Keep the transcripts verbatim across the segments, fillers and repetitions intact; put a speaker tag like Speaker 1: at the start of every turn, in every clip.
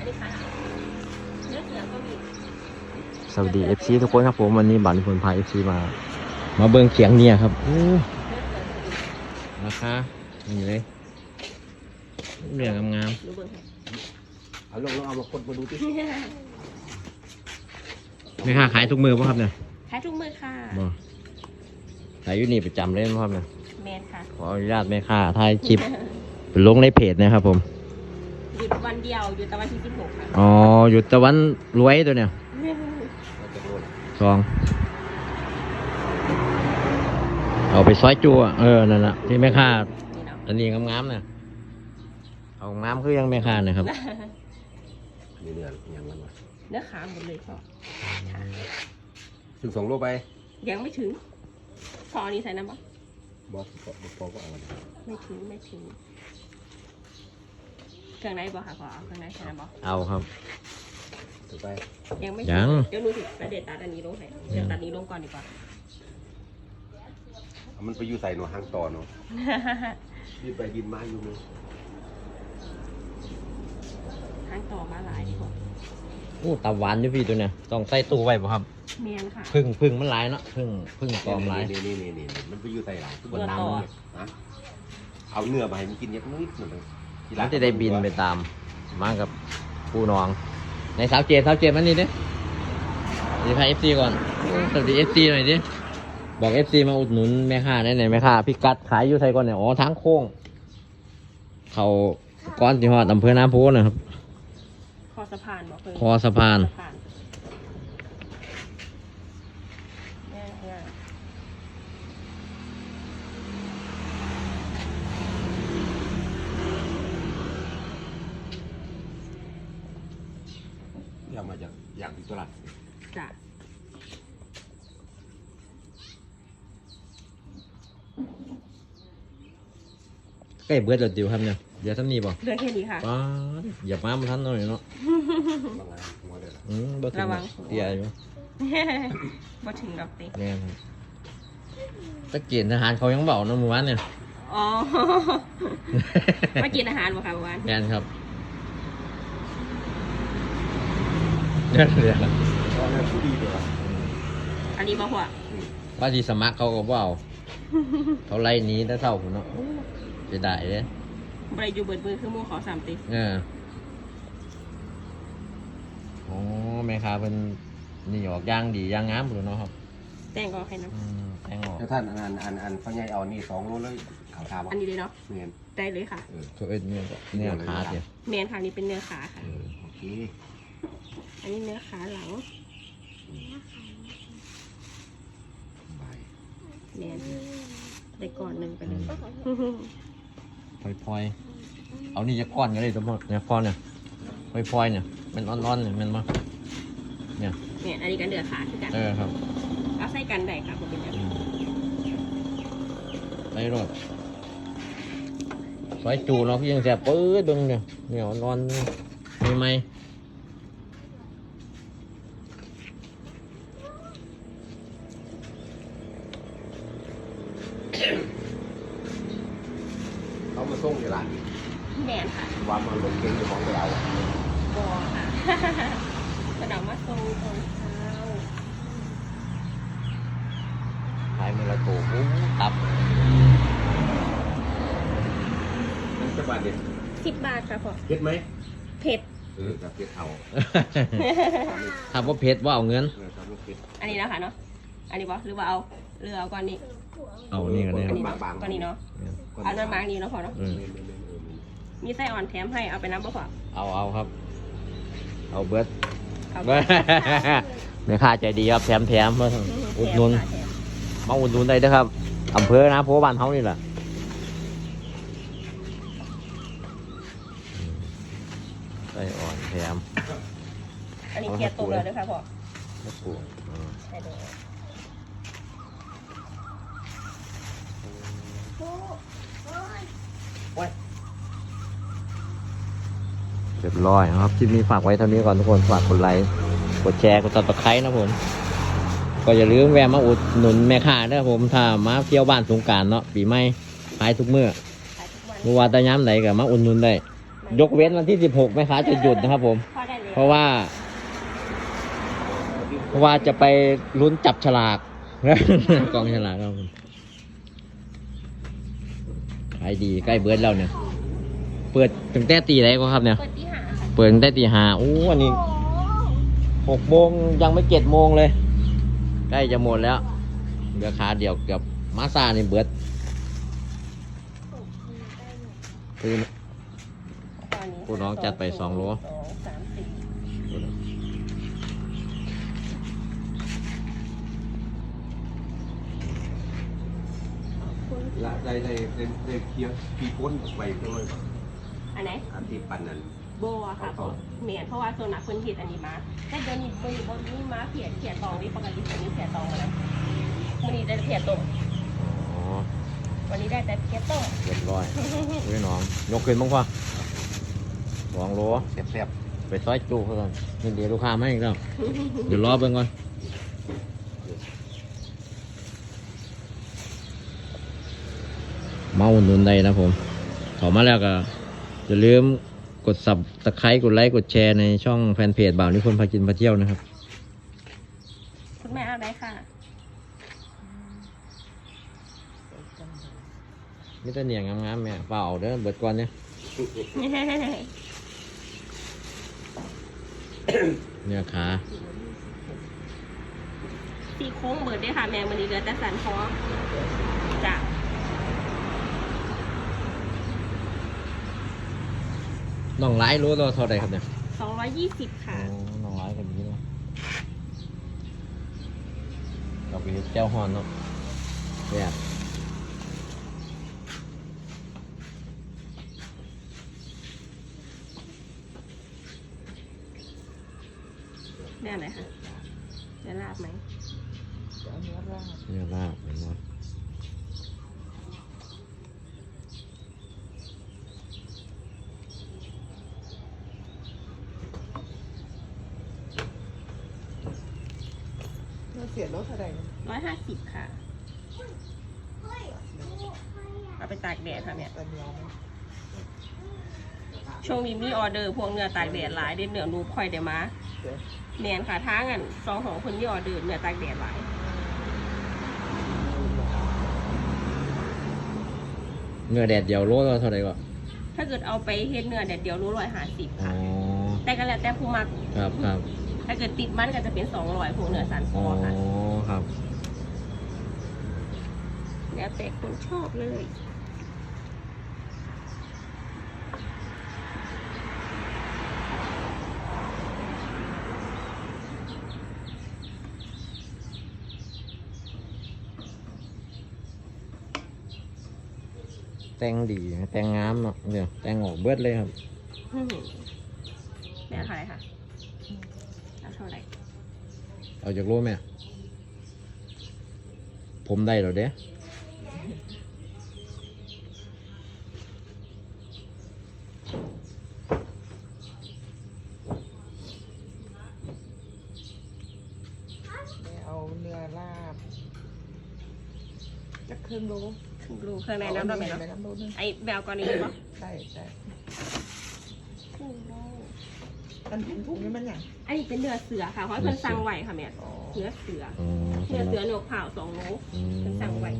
Speaker 1: นี้ค่ะเนื้อเสือก็มี
Speaker 2: สวัสดี เอฟ ซี ทุกคนครับผมวันนี้บัตรผลพา เอฟ ซี มามาเบิ่งเขียงเนี่ยครับราคานี่เลยเรื่องงาม
Speaker 1: ดูเบิ่งค่ะ
Speaker 3: เอาลงแล้วเอามาคนมาดูที่
Speaker 2: ๆไม่ค่าขายทุกมือป่ะครับเนี่ย
Speaker 1: ขายทุกมือค่ะ
Speaker 2: บ่ขายอยู่นี่ประจำเลยป่ะครับเนี่ย
Speaker 1: แมนค่ะ
Speaker 2: ขออนุญาตไม่ค่าถ่ายคลิปเป็นลงในเพจนะครับผม
Speaker 1: หยุดวันเดียวหยุดแต่วันที่สิบหกค่ะ
Speaker 2: อ๋อหยุดตะวันรวยตัวเนี่ยสองเอาไปซอยจั่วเออนั่นแหละที่ไม่ค่า
Speaker 1: นี่เนาะ
Speaker 2: อันนี้งามๆเนี่ยเอางามคือยังไม่ค่านะครับ
Speaker 3: นี่เนื้ออย่างนั้นวะ
Speaker 1: เนื้อขาหมดเลยพ่อค่ะ
Speaker 3: ถึงสองโลไป
Speaker 1: ยังไม่ถึงพออันนี้ใส่น้ำปะ
Speaker 3: บอสบอสก็เอา
Speaker 1: ไม่ถึงไม่ถึงเครื่องในบ่ค่ะพอเอาเครื่องในใส่น้ำปะ
Speaker 2: เอาครับ
Speaker 3: ถึงไป
Speaker 1: ยังไม่
Speaker 2: ยัง
Speaker 1: เดี๋ยวหนูถึงประเด็ดตัดอันนี้ลงให้เดี๋ยวตัดนี้ลงก่อนดีกว่า
Speaker 3: มันไปอยู่ใส่หนูหางต่อเนาะดินไปดินมาอยู่มั้ย
Speaker 1: ทางต่อมาหลายดีกว่า
Speaker 2: โอ้ตาหวานอยู่พี่ตัวเนี่ยต้องใส่ตู้ไว้ป่ะครับ
Speaker 1: เมียนค่ะ
Speaker 2: พึ่งพึ่งมันหลายเนาะพึ่งพึ่งตอมหลาย
Speaker 3: นี่นี่นี่นี่มันไปอยู่ใส่หลังบนน้ำเลยนะเอาเนื้อมาให้มันกินเยอะนิดหนึ่ง
Speaker 2: มันจะได้บินไปตามมากับผู้น้อง ในสาวเจนสาวเจนมันนี่ดิดีพายเอฟซีก่อนสวัสดีเอฟซีหน่อยดิบอกเอฟซีมาอุดหนุนแม่ค้าไหนไหนแม่ค้าพี่กัดขายอยู่ไทยก่อนเนี่ยอ๋อทางโค้งเขาก้อนที่หอดอำเภอน้ำพุนะครับ
Speaker 1: คอสะพานบอกเลย
Speaker 2: คอสะพาน
Speaker 1: สะพานง่ายง่าย
Speaker 3: ที่เอามาจากอย่างที่ตลาด
Speaker 1: จ้ะ
Speaker 2: ใกล้เบิดแล้วดิวครับเนี่ยเดี๋ยวท่านนี่บอก
Speaker 1: เรื่องแค่นี้ค่ะ
Speaker 2: ป้าดอย่ามามันทันหน่อยเนาะ
Speaker 3: บางงานหัวเลย
Speaker 2: อืมบ่ถึง
Speaker 1: ระวัง
Speaker 2: เตี้ยอยู่
Speaker 1: มาถึงดอกติ
Speaker 2: แน่นตะเกียนทหารเขายังเบาเนาะหมู่บ้านเนี่ย
Speaker 1: อ๋อ มากินอาหารบ่ค่ะเมื่อวาน
Speaker 2: แน่นครับเนี่ยเดี๋ยว
Speaker 3: ก็เนื้อผู้ดีเลย
Speaker 1: อันนี้บ่หัว
Speaker 2: ว่าที่สมัครเขาก็เบาเขาไล่หนี้ถ้าเท่าผมเนาะจะได้เลย
Speaker 1: บริยูเบิดมือคือหมูขอสามติ
Speaker 2: เออโอ้แม่ค้าเป็นนี่ออกย่างดีย่างงามหรือเนาะครับ
Speaker 1: แต่งก็ให้น้
Speaker 2: อืมแตงออก
Speaker 3: แล้วท่านอันอันอันพ่อใหญ่เอานี่สองโลเลยข่าวทา
Speaker 1: ำ
Speaker 3: วะ
Speaker 1: อันนี้เลยเนาะ
Speaker 3: เนียน
Speaker 1: ได้เลยค่ะ
Speaker 3: เออ
Speaker 2: เขาเอ็ดเนี่ยเนี่ยขาเดียว
Speaker 1: เมียนค่ะนี่เป็นเนื้อขาค่ะ
Speaker 3: เออโอเค
Speaker 1: อันนี้เนื้อขาหลัง
Speaker 3: บาย
Speaker 1: เมียนได้ก่อนหนึ่งไปเลย
Speaker 2: พลอยๆเอานี่จะก้อนกันเลยทั้งหมดเนี่ยก้อนเนี่ยพลอยๆเนี่ยมันอ่อนๆเนี่ยมันมาเนี่ย
Speaker 1: เมียนอันนี้กันเนื้อขาคือกัน
Speaker 2: เออครับ
Speaker 1: เอาใส่กันได้ค่ะผมเป็นอย่างนี้
Speaker 2: ไปรถซอยจูเนาะพี่ยังแสบปื้ดเบึงเนี่ยเนี่ยนอนมีไหม
Speaker 3: เขามาส่งในร้าน
Speaker 1: เมียนค่ะ
Speaker 3: ว่ามันลงเก่งอยู่ของเรา
Speaker 1: บอค่ะ กระดามาทรงตอนเช้า
Speaker 2: ขายมือละตัวปุ๊บตับ
Speaker 3: มันจะบาดเด็ด
Speaker 1: สิบบาทค่ะพ่อ
Speaker 3: เผ็ดไหม
Speaker 1: เผ็ด
Speaker 3: เออกับเผ็ดเอา
Speaker 2: ถ้าว่าเพชรว่าเอาเงิน
Speaker 3: เออทำลูกเผ็ด
Speaker 1: อันนี้นะคะเนาะ อันนี้บอหรือว่าเอาหรือเอาก้อนนี้
Speaker 2: เอานี่กันเนี่ย
Speaker 1: อันนี้เนาะก้อนนี้เนาะเอาเนื้อมาร์กนี้เนาะพอเนาะ
Speaker 2: อืม
Speaker 3: เมนเมนเมนเออเมน
Speaker 1: มีไส้อ่อนแถมให้เอาไปน้ำบ่พอ
Speaker 2: เอาเอาครับ เอาเบิร์ด
Speaker 1: เอา
Speaker 2: เบิร์ดแม่ค้าใจดีครับแถมแถมมาอุดหนุน
Speaker 1: แถมค่ะแถม
Speaker 2: มาอุดหนุนได้เด้อครับอำเภอนะโพบ้านเฮานี่แหละไส้อ่อนแถม
Speaker 1: อันนี้เกียร์ตัวเลยด้วยค่ะพ่อ
Speaker 2: มะกรูดอืม
Speaker 1: ใช่เลย
Speaker 2: เรียบร้อยนะครับคลิปนี้ฝากไว้เท่านี้ก่อนทุกคนฝากกดไลค์กดแชร์กดติดตามนะผมก็อย่าลืมแวะมาอุดหนุนแม่ค้าด้วยผมถ้ามาเที่ยวบ้านสงกรานต์เนาะปีใหม่ขายทุกมื้อ
Speaker 1: ขายทุกวัน
Speaker 2: เมื่อวานตะย้ำไหนก็มาอุดหนุนได้ ยกเว้นวันที่สิบหกแม่ค้าจะหยุดนะครับผม
Speaker 1: พอ
Speaker 2: เพราะว่า เพราะว่าจะไปลุ้นจับฉลาก กองฉลากครับผมขายดีใกล้เบิร์ดแล้วเนี่ย เปิดถึงแต่ตีไรก็ครับเนี่ย
Speaker 1: เปิดที่หาค่ะ
Speaker 2: เปิดตั้งแต่ตีห้าโอ้อันนี้หกโมงยังไม่เจ็ดโมงเลย ใกล้จะหมดแล้วเหลือขาเดียวเกือบมาซานี่เบิร์ดคือ
Speaker 1: ตอนนี้
Speaker 2: ผู้น้องจัดไปสองโล
Speaker 1: สองสามสี่คุณ
Speaker 3: ละได้ได้ได้ได้เคลียร์ปีก้นไปด้วย
Speaker 1: อันไหน
Speaker 3: อันที่ปันนั้น
Speaker 1: โบอะค่ะเหมียนเพราะว่าโซนนักพื้นที่อันนี้มาแต่เดี๋ยวนี้บนบนนี้มาเพียเพียตองนี่ปกติตัวนี้เพียตองมาแล้ววันนี้ได้เพียต้ม
Speaker 2: อ๋อ
Speaker 1: วันนี้ได้แต่เพียต้ม
Speaker 2: เรียบร้อยพี่น้องยกขึ้นบ้างพ่อสองโล
Speaker 3: แซ่บ
Speaker 2: ไปซอยจูเขาก่อนนี่เดี๋ยวลูกค้ามาอีกแล้วเดี๋ยวรอเบิ่งก่อนมาอุดหนุนได้นะผมขอมาแล้วก็อย่าลืมกดซับตะไคร้กดไลค์กดแชร์ในช่องแฟนเพจบ่าวนิพนธ์พากินพาเที่ยวนะครับ
Speaker 1: คุณแม่เอาได้ค่ะ
Speaker 2: มิตรเหนียงงามๆแม่เปล่าเอาเด้อเบิดก่อนเนี่ยเนื้อขา
Speaker 1: สีโค้งเบิดได้ค่ะแม่วันนี้เหลือแต่สันคอจ้ะ
Speaker 2: น้องไลฟ์รู้ตัวเท่าไหรครับเนี่ย
Speaker 1: สองร้อยยี่สิบค่ะ
Speaker 2: โอ้น้องไลฟ์กันนี้เนาะเราไปเฮ็ดแก้วฮอนเนาะเนี่ย
Speaker 1: แม่อะไรคะจะลาบไหม
Speaker 2: เนี่ยลาบเห็นไหม
Speaker 4: เสียรถอะไร
Speaker 1: ร้อยห้าสิบค่ะ เอาไปตากแดดค่ะเนี่ย
Speaker 4: ตะเนียวไหม
Speaker 1: ช่วงนี้มีออเดอร์พวกเนื้อตากแดดหลายเด็ดเนื้อนูค่อยเดี๋ยวมาแมนค่ะท้างันสองของคนที่ออเดอร์เนื้อตากแดดหลาย
Speaker 2: เนื้อแดดเดียวโลตัวเท่าไหรก็
Speaker 1: ถ้าเกิดเอาไปเฮ็ดเนื้อแดดเดียวรู้ร้อยห้าสิบ
Speaker 2: อ๋อ
Speaker 1: แต่ก็แล้วแต่ผู้มัก
Speaker 2: ครับครับ
Speaker 1: ถ้าเกิดติดมันก็จะเป็นสองร้อยพวกเนื้อสันค
Speaker 2: อ๋
Speaker 1: อ
Speaker 2: อ
Speaker 1: ค่ะ
Speaker 2: ครับ
Speaker 1: แล้วแต่คนชอบเลย
Speaker 2: แต่งดีแต่งงามเนาะเดี๋ยวแต่งออกเบิดเลยครับ
Speaker 1: อื้อหือแม่เท่าไหร่คะเอาเท่าไหร่
Speaker 2: เอาจากโลแม่ผมได้แล้วเด้
Speaker 4: ไม่เอาเนื้อลาบจะครึ่งโล
Speaker 1: ถึงรู้เครื่องในน้ำเราไหมเนาะ
Speaker 4: ในน้ำโลนึง
Speaker 1: ไอ้แบลกอนนี้ปะ
Speaker 4: ใช่ใช่
Speaker 1: ครึ่งโล
Speaker 4: อันถุงถุงนี่มันอย่าง
Speaker 1: อันนี้เป็นเนื้อเสือค่ะเพราะเพิ่นสั่งไหวค่ะแม่
Speaker 4: อ๋อ
Speaker 1: เนื้อเสือ
Speaker 2: อ๋อ
Speaker 1: เนื้อเสือหนวกเผาสองโล
Speaker 2: อืม
Speaker 1: เป็นสั่งไว้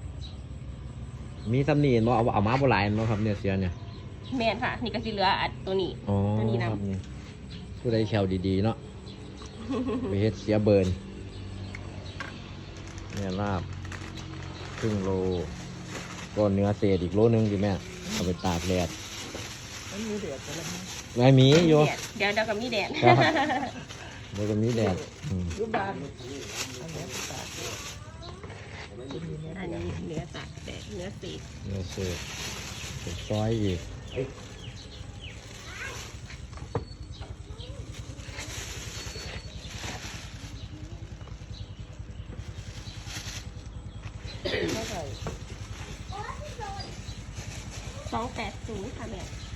Speaker 2: มีตำหนิบ่เอาเอามาโบราณบ่ครับเนี่ยเสียเนี่ย
Speaker 1: แมนค่ะ นี่ก็สิเหลืออัดตัวนี้
Speaker 2: อ๋อ
Speaker 1: ตัวนี้นำ
Speaker 2: ครับนี่ผู้ใดแคลดีๆเนาะ ไปเฮ็ดเสียเบิร์นเนี่ยลาบครึ่งโลก็เนื้อเศษอีกโลนึงดิแม่เอาไปตากแดด
Speaker 4: มันมีเดือดอะไรไหม
Speaker 2: ไม่มีอยู่
Speaker 1: แดดเดี๋ยวเดี๋ยวกับมีแดด
Speaker 2: ครับ เดี๋ยวก็มีแดดอืม
Speaker 4: ยุบานอันนี้เป็นตาดจะมีเนื้อ
Speaker 1: อัน
Speaker 4: เดือด
Speaker 1: นี้เนื้อตากแดดเนื้อสี
Speaker 2: เนื้อเศษเป็นซอยอีก
Speaker 4: เท่าไหร่
Speaker 1: สองแปดศูนย์ค่ะแม่